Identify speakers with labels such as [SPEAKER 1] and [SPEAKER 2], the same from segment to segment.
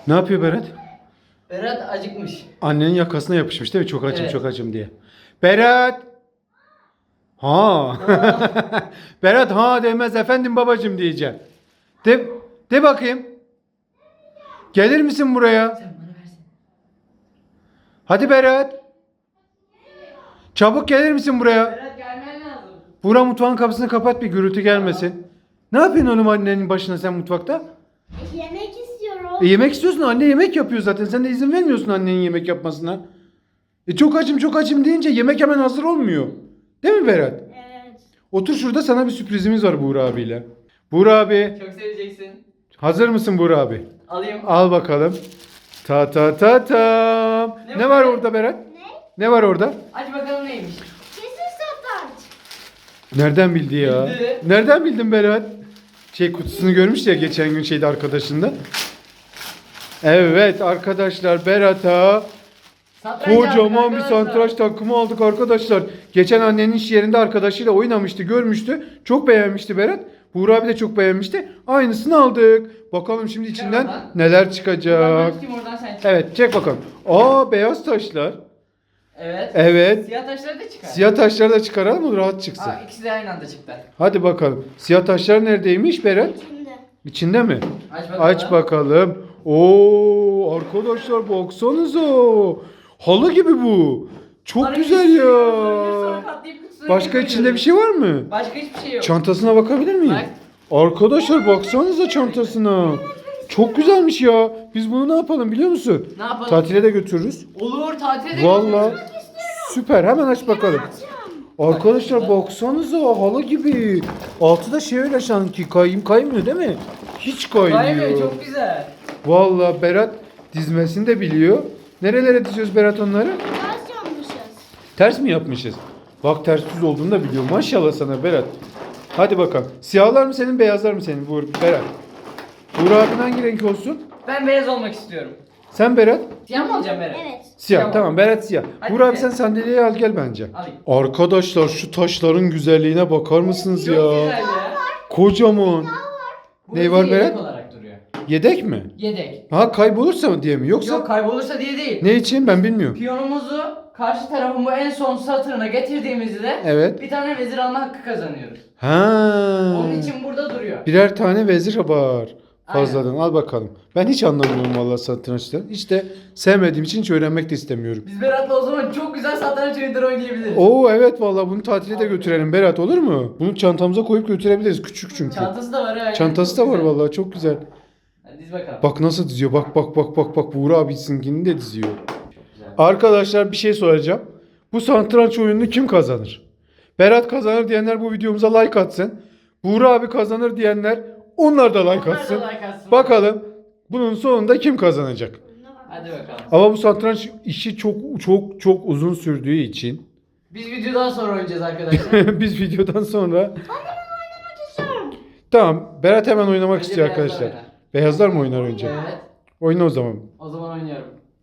[SPEAKER 1] Ne yapıyor Berat?
[SPEAKER 2] Berat acıkmış.
[SPEAKER 1] Annenin yakasına yapışmış değil mi? Çok açım
[SPEAKER 2] Evet.
[SPEAKER 1] çok açım diye. Berat! Ha. Berat ha demez efendim babacım diyeceğim. De bakayım. Gelir misin buraya?
[SPEAKER 2] Sen bana versene.
[SPEAKER 1] Hadi Berat. Çabuk gelir misin buraya?
[SPEAKER 2] Berat gelmen lazım.
[SPEAKER 1] Buğra mutfağın kapısını kapat bir gürültü gelmesin. Ne yapıyorsun oğlum annenin başına sen mutfakta?
[SPEAKER 3] Yemek istiyorum.
[SPEAKER 1] Yemek istiyorsun, anne yemek yapıyor zaten. Sen de izin vermiyorsun annenin yemek yapmasına. Çok açım çok açım deyince yemek hemen hazır olmuyor. Değil mi Berat?
[SPEAKER 3] Evet.
[SPEAKER 1] Otur şurada, sana bir sürprizimiz var Buğra abiyle. Buğra abi,
[SPEAKER 2] Çok seveceksin.
[SPEAKER 1] hazır mısın Buğra abi?
[SPEAKER 2] Alayım.
[SPEAKER 1] Al bakalım. Ta ta ta tam.
[SPEAKER 2] Ne
[SPEAKER 1] Ne
[SPEAKER 2] bu
[SPEAKER 1] var
[SPEAKER 2] be?
[SPEAKER 1] orada Berat?
[SPEAKER 3] Ne?
[SPEAKER 1] Ne var orada?
[SPEAKER 2] Aç bakalım neymiş.
[SPEAKER 3] Kesin satranç.
[SPEAKER 1] Nereden bildi ya?
[SPEAKER 2] Bildi.
[SPEAKER 1] Nereden bildin Berat? Kutusunu görmüş ya geçen gün arkadaşında. Evet arkadaşlar, Berat'a
[SPEAKER 2] Satranç
[SPEAKER 1] kocaman
[SPEAKER 2] aldık
[SPEAKER 1] bir
[SPEAKER 2] arkadaşlar.
[SPEAKER 1] satranç takımı aldık arkadaşlar. Geçen annenin iş yerinde arkadaşıyla oynamıştı, görmüştü. Çok beğenmişti Berat. Buğra abi de çok beğenmişti. Aynısını aldık. Bakalım şimdi içinden
[SPEAKER 2] oradan.
[SPEAKER 1] neler
[SPEAKER 2] Buradan ben
[SPEAKER 1] çıkacak.
[SPEAKER 2] tutayım, oradan sen çık.
[SPEAKER 1] Evet, çek bakalım. Aa, beyaz taşlar.
[SPEAKER 2] Evet.
[SPEAKER 1] Evet.
[SPEAKER 2] Siyah taşları da çıkar.
[SPEAKER 1] Siyah taşları da çıkaralım mı, rahat çıksın.
[SPEAKER 2] Aa, ikisi de aynı anda çıktı.
[SPEAKER 1] Hadi bakalım. Siyah taşlar neredeymiş Berat?
[SPEAKER 3] Şimdi.
[SPEAKER 1] İçinde mi?
[SPEAKER 2] Aç bakalım.
[SPEAKER 1] Aç bakalım. Oo arkadaşlar, baksanıza. Halı gibi bu. Çok
[SPEAKER 2] Arayı
[SPEAKER 1] güzel
[SPEAKER 2] siliyoruz, sonra
[SPEAKER 1] ya.
[SPEAKER 2] katlayıp kutusuna
[SPEAKER 1] Başka
[SPEAKER 2] koyuyoruz.
[SPEAKER 1] içinde bir şey var mı?
[SPEAKER 2] Başka hiçbir şey yok.
[SPEAKER 1] Çantasına bakabilir miyim? Arkadaşlar baksanıza çantasına. Çok güzelmiş ya. Biz bunu ne yapalım biliyor musun?
[SPEAKER 2] Ne yapalım?
[SPEAKER 1] Tatile de götürürüz.
[SPEAKER 2] Olur, tatile de
[SPEAKER 1] Vallahi
[SPEAKER 2] götürürüz.
[SPEAKER 1] süper, hemen aç bakalım. Arkadaşlar baksanıza, halı gibi. Altı da öyle sanki kaymıyor değil mi? Hiç
[SPEAKER 2] Kaymıyor,
[SPEAKER 1] kaymıyor.
[SPEAKER 2] çok güzel.
[SPEAKER 1] Vallahi Berat dizmesini de biliyor. Nerelere diziyoruz Berat onları?
[SPEAKER 3] Ters yapmışız.
[SPEAKER 1] Ters mi yapmışız? Bak ters düz olduğunu da biliyor. Maşallah sana Berat. Hadi bakalım. Siyahlar mı senin, beyazlar mı senin Berat? Buğra abin hangi renk olsun?
[SPEAKER 2] Ben beyaz olmak istiyorum.
[SPEAKER 1] Sen Berat?
[SPEAKER 2] Siyah mı olacağım Berat?
[SPEAKER 3] Evet.
[SPEAKER 1] Siyah.
[SPEAKER 2] Tamam.
[SPEAKER 1] Tamam Berat siyah.
[SPEAKER 2] Hadi
[SPEAKER 1] Buğra abi
[SPEAKER 2] be.
[SPEAKER 1] sen sandalyeyi al gel bence.
[SPEAKER 2] Alayım.
[SPEAKER 1] Arkadaşlar şu taşların güzelliğine bakar mısınız
[SPEAKER 2] Çok
[SPEAKER 1] ya?
[SPEAKER 2] güzel ya.
[SPEAKER 1] Kocaman.
[SPEAKER 2] Bu
[SPEAKER 1] Ne
[SPEAKER 2] bizi
[SPEAKER 1] var
[SPEAKER 2] yedek
[SPEAKER 1] Berat?
[SPEAKER 2] olarak duruyor.
[SPEAKER 1] Yedek mi?
[SPEAKER 2] Yedek.
[SPEAKER 1] Ha, kaybolursa mı diye mi? Yoksa
[SPEAKER 2] Yok, kaybolursa diye değil.
[SPEAKER 1] ne için ben bilmiyorum.
[SPEAKER 2] Piyonumuzu karşı tarafın bu en son satırına getirdiğimizde
[SPEAKER 1] Evet.
[SPEAKER 2] bir tane vezir alma hakkı kazanıyoruz.
[SPEAKER 1] Ha.
[SPEAKER 2] Onun için burada duruyor.
[SPEAKER 1] Birer tane vezir var. Fazladan al bakalım. Ben hiç anlamıyorum vallahi satrançtan. Hiç de sevmediğim için hiç öğrenmek de istemiyorum.
[SPEAKER 2] Biz Berat'la o zaman çok güzel satranç oyunları oynayabiliriz.
[SPEAKER 1] Oo evet, vallahi bunu tatile de götürelim Berat, olur mu? Bunu çantamıza koyup götürebiliriz, küçük çünkü.
[SPEAKER 2] Çantası da var ha.
[SPEAKER 1] Çantası
[SPEAKER 2] Çok
[SPEAKER 1] da var
[SPEAKER 2] güzel.
[SPEAKER 1] vallahi, çok güzel.
[SPEAKER 2] Hadi diz bakalım.
[SPEAKER 1] Bak nasıl diziyor. Bak. Buğra abisinkini de diziyor.
[SPEAKER 2] Güzel.
[SPEAKER 1] Arkadaşlar bir şey soracağım. Bu satranç oyununu kim kazanır? Berat kazanır diyenler bu videomuza like atsın. Buğra abi kazanır diyenler onlar da like
[SPEAKER 2] Onlar da
[SPEAKER 1] atsın.
[SPEAKER 2] like atsın.
[SPEAKER 1] Bakalım bunun sonunda kim kazanacak?
[SPEAKER 2] Hadi bakalım.
[SPEAKER 1] Ama bu satranç işi çok uzun sürdüğü için
[SPEAKER 2] Biz videodan sonra oynayacağız arkadaşlar.
[SPEAKER 1] biz videodan sonra
[SPEAKER 3] Oynamak istiyorum.
[SPEAKER 1] tamam, Berat hemen oynamak
[SPEAKER 2] Önce
[SPEAKER 1] istiyor
[SPEAKER 2] beyazlar
[SPEAKER 1] arkadaşlar.
[SPEAKER 2] oynar.
[SPEAKER 1] Beyazlar mı oynar önce?
[SPEAKER 2] Evet.
[SPEAKER 1] Oyna o zaman.
[SPEAKER 2] O zaman oynuyorum.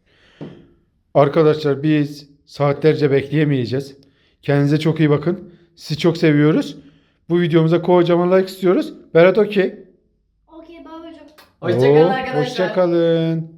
[SPEAKER 1] Arkadaşlar biz saatlerce bekleyemeyeceğiz. Kendinize çok iyi bakın. Sizi çok seviyoruz. Bu videomuza kocaman like istiyoruz. Berat okey.
[SPEAKER 3] Okey babacığım.
[SPEAKER 2] Hoşçakalın
[SPEAKER 1] Oo,
[SPEAKER 2] arkadaşlar.
[SPEAKER 1] Hoşçakalın.